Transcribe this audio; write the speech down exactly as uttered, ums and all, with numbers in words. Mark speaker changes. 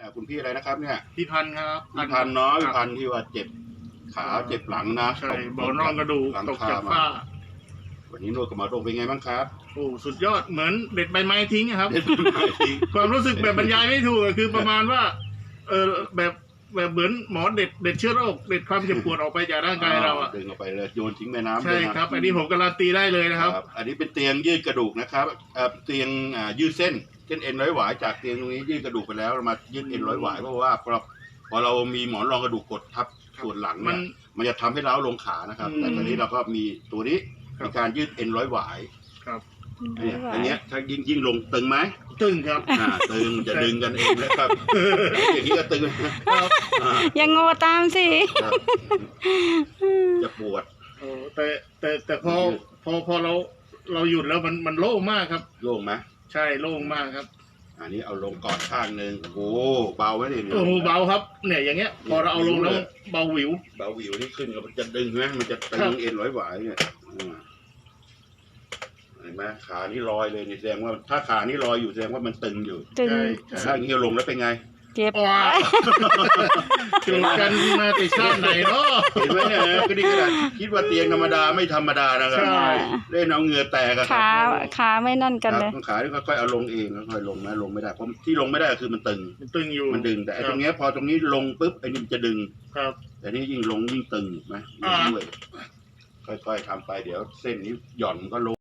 Speaker 1: คุณพี่อะไรนะครับเนี่ย
Speaker 2: พี่พันธุ์ครับ
Speaker 1: พี่พันธุ์เนาะ
Speaker 2: ค
Speaker 1: พี่
Speaker 2: รับ
Speaker 1: พันธุ์ที่ว่าเจ็บขาเจ็บหลังนะ
Speaker 2: ใช่บอลร่องกระดูก
Speaker 1: หลัง
Speaker 2: ตก
Speaker 1: คา
Speaker 2: จาก
Speaker 1: มา
Speaker 2: ฝ้า
Speaker 1: วันนี้นวดกับหมอโรงเป็นไงบ้างครับ
Speaker 2: โอ้สุดยอดเหมือนเด็ดใบไม้ทิ้งอะครับ
Speaker 1: เด็ดใบไม้ทิ้ง
Speaker 2: ความรู้สึกแบบบรรยายไม่ถูกอะคือประมาณว่าเออแบบแบบเหมือนหมอเด็ดเด็ดเชื้อโรคเด็ดความเจ็บปวดออกไปจากร่างกายเราอ่ะ
Speaker 1: ดึงออกไปเลยโยนทิ้งแม่น้ำ
Speaker 2: ใช่
Speaker 1: เลยนะครับ
Speaker 2: อันนี้ผมการันตีได้เลยนะครับ
Speaker 1: ครับอันนี้เป็นเตียงยืดกระดูกนะครับเอ่อเตียงอ่ายืดเส้นเส้นเอ็นร้อยหวายจากเตียงตรงนี้ยืดกระดูกไปแล้วเรามายืดเอ็นร้อยหวายเพราะว่าพอพอเรามีหมอนรองกระดูกกดทับส่วนหลัง
Speaker 2: มั
Speaker 1: เนี่ย
Speaker 2: น
Speaker 1: มันจะทำให้เล้าลงขานะครับ
Speaker 2: อืม
Speaker 1: แต่ตอนนี้เราก็มีตัวนี้
Speaker 2: ครับ
Speaker 1: มีการยืดเอ็นร้อยหวาย
Speaker 2: ครับ
Speaker 1: เนี่ยอันเนี้ยถ้ายิ่งยิ่งลงตึงไหม
Speaker 2: ตึงครับ
Speaker 1: อ่าตึงจะดึงกันเองนะครับ อย่างนี้ก็ตึง
Speaker 2: ครับ
Speaker 1: อ่า
Speaker 3: ยังโง่ตามสิ
Speaker 1: ครับจะปวด
Speaker 2: โอ้แต่แต่แต่พอพอพอเราเราหยุดแล้วมันมันโล่งมากครับ
Speaker 1: โล่งไหม
Speaker 2: ใช่โล่งมากครับ
Speaker 1: อันนี้เอาลงก่อนข้างหนึ่งโอ้โหเบาไหมเนี่ย
Speaker 2: โอ้โหเบาครับเนี่ยอย่างเงี้ย พอเราเอาลงแล้วเบาหวิว
Speaker 1: เบาหวิวนี่ขึ้นก็มันจะดึงไหมมันจะตึ
Speaker 2: ครั
Speaker 1: ง
Speaker 2: บ
Speaker 1: เอ็นร้อยหวายเนี่ยอ่าเห็นไหมขานี่ลอยเลยนี่แสดงว่าถ้าขานี่ลอยอยู่แสดงว่ามันตึงอยู่
Speaker 3: ตึง
Speaker 2: ใช่
Speaker 1: แต่ถ้าอย่างนี้ลงแล้วเป็นไง
Speaker 3: เจ็บ
Speaker 2: ว้าจูบกันมาแต่ชาติไหนเนาะ
Speaker 1: เห็นไหมเนี่ยก็นี่ขนาดคิดว่าเตียงธรรมดาไม่ธรรมดานะครั
Speaker 2: ใช่
Speaker 1: เล่นเอาเหงื่อแตกอะครั
Speaker 3: ขา
Speaker 1: บ
Speaker 3: ขาไม่นั่นกันเลย
Speaker 1: ครับขาที่ค่อยๆเอาลงเองค่อยๆลงนะลงไม่ได้เพราะที่ลงไม่ได้คือมันตึง
Speaker 2: มันตึงอยู่
Speaker 1: มันดึงแต่ไอ้
Speaker 2: ค
Speaker 1: ต
Speaker 2: บ
Speaker 1: รงเนี้ยพอตรงนี้ลงปุ๊บไอ้นี่มันจะดึง
Speaker 2: ครับ
Speaker 1: แต่นี่ยิ่งลงยิ่งตึงไหม
Speaker 2: อ่า
Speaker 1: ด้วยค่อยๆทำไปเดี๋ยวเส้นนี้หย่อนก็ลง